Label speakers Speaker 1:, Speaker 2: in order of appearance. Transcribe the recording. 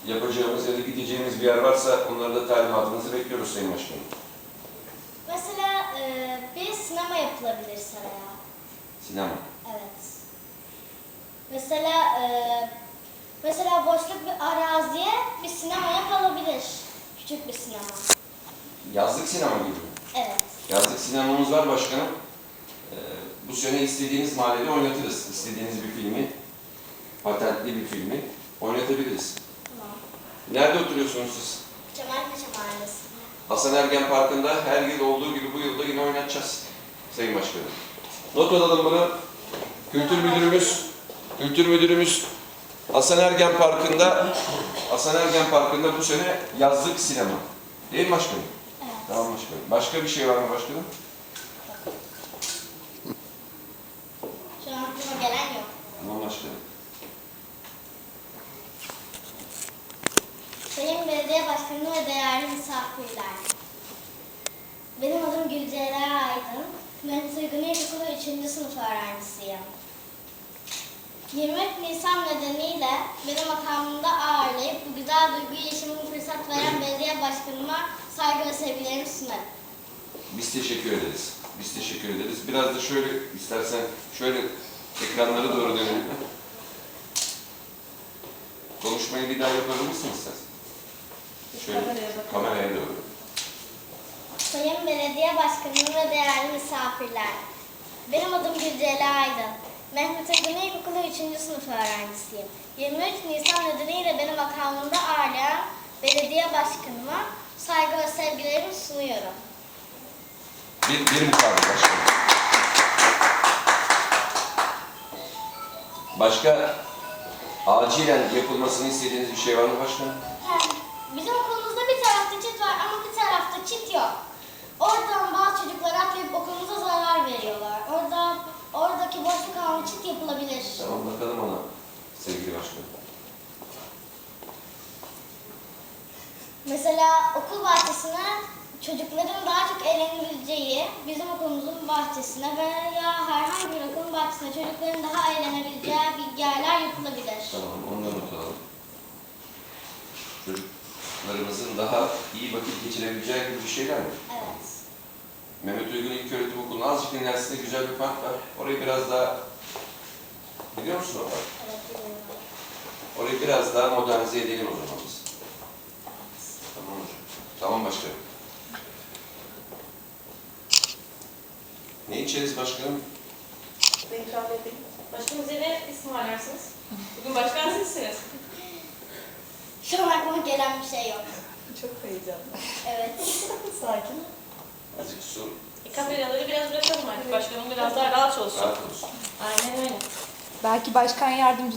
Speaker 1: yapacağımız ya da gideceğimiz bir yer varsa onlara da talimatınızı bekliyoruz Sayın Başkanım.
Speaker 2: Mesela bir sinema yapılabilir saraya.
Speaker 1: Sinema.
Speaker 2: Evet. Mesela boşluk bir araziye bir sinema yapılabilir. Küçük bir sinema.
Speaker 1: Yazlık sinema gibi mi?
Speaker 2: Evet.
Speaker 1: Yazlık sinemamız var başkanım. Bu sene istediğiniz mahallede oynatırız. İstediğiniz bir filmi, patentli bir filmi oynatabiliriz.
Speaker 2: Tamam.
Speaker 1: Nerede oturuyorsunuz siz?
Speaker 2: Cemalpaşa Mahallesi'nde.
Speaker 1: Hasan Ergen Parkı'nda her yıl olduğu gibi bu yılda yine oynatacağız Sayın Başkanım. Not alalım bunu. Kültür Müdürümüz Hasan Ergen Parkı'nda bu sene yazlık sinema. Değil mi başkanım?
Speaker 2: Evet.
Speaker 1: Tamam başkanım. Başka bir şey var mı başkanım?
Speaker 2: Şu an aklıma gelen yok.
Speaker 1: Tamam başkanım.
Speaker 2: Sayın Belediye Başkanı ve değerli misafirler. Benim adım Gülceyla Aydın. Mehmet Uygun İlkokulu 3. sınıf öğrencisiyim. 23 Nisan nedeniyle beni makamında ağırlayıp bu güzel duyguyu yaşamama fırsat veren belediye başkanıma saygı ve sevgilerimi sunarım.
Speaker 1: Biz teşekkür ederiz. Biraz da şöyle istersen şöyle ekranlara doğru dönelim. Konuşmayı bir daha yapar mısın istersen? Şöyle kameraya doğru.
Speaker 2: Sayın Belediye Başkanı ve değerli misafirler. Benim adım Gülceyla Aydın. Mehmet Uygun İlkokulu 3. sınıf öğrencisiyim. 23 Nisan nedeniyle beni makamında ağırlayan belediye başkanıma saygı ve sevgilerimi sunuyorum.
Speaker 1: Bir mukabil başkanım. Başka acilen yapılmasını istediğiniz bir şey var mı başkanım?
Speaker 2: Bizim okulumuzda bir tarafta çit var ama bir tarafta çit yok. Oradan bazı çocuklar atlayıp okulumuza zarar veriyorlar. Oradaki boşluk alanı çit yapılabilir.
Speaker 1: Tamam bakalım ona sevgili başkanım.
Speaker 2: Mesela okul bahçesine çocukların daha çok eğlenebileceği bizim okulumuzun bahçesine veya herhangi bir okulun bahçesine çocukların daha eğlenebileceği bir yerler yapılabilir.
Speaker 1: Tamam onları not alalım. Çocuklarımızın daha iyi vakit geçirebileceği gibi bir şeyler mi?
Speaker 2: Evet.
Speaker 1: Mehmet Uygun İlköğretim Okulu'nun azıcık ilerisinde güzel bir park var. Orayı biraz daha biliyor musun o park?
Speaker 2: Evet, biliyorum.
Speaker 1: Orayı biraz daha modernize edelim o zaman biz. Tamam hocam. Tamam başkanım. Ne içeriz başkanım?
Speaker 3: Ben ikram edeyim. Başkanım ne ısmarlarsınız? Bugün başkan sizsiniz.
Speaker 2: Şu an aklıma gelen bir şey yok.
Speaker 3: Çok heyecanlı.
Speaker 2: Evet.
Speaker 3: Sakin.
Speaker 1: Azıcık su.
Speaker 3: Kameraları biraz bırakalım artık. Başkanım biraz daha rahat olsun.
Speaker 1: Rahat olsun.
Speaker 3: Aynen öyle.
Speaker 4: Belki başkan yardımcı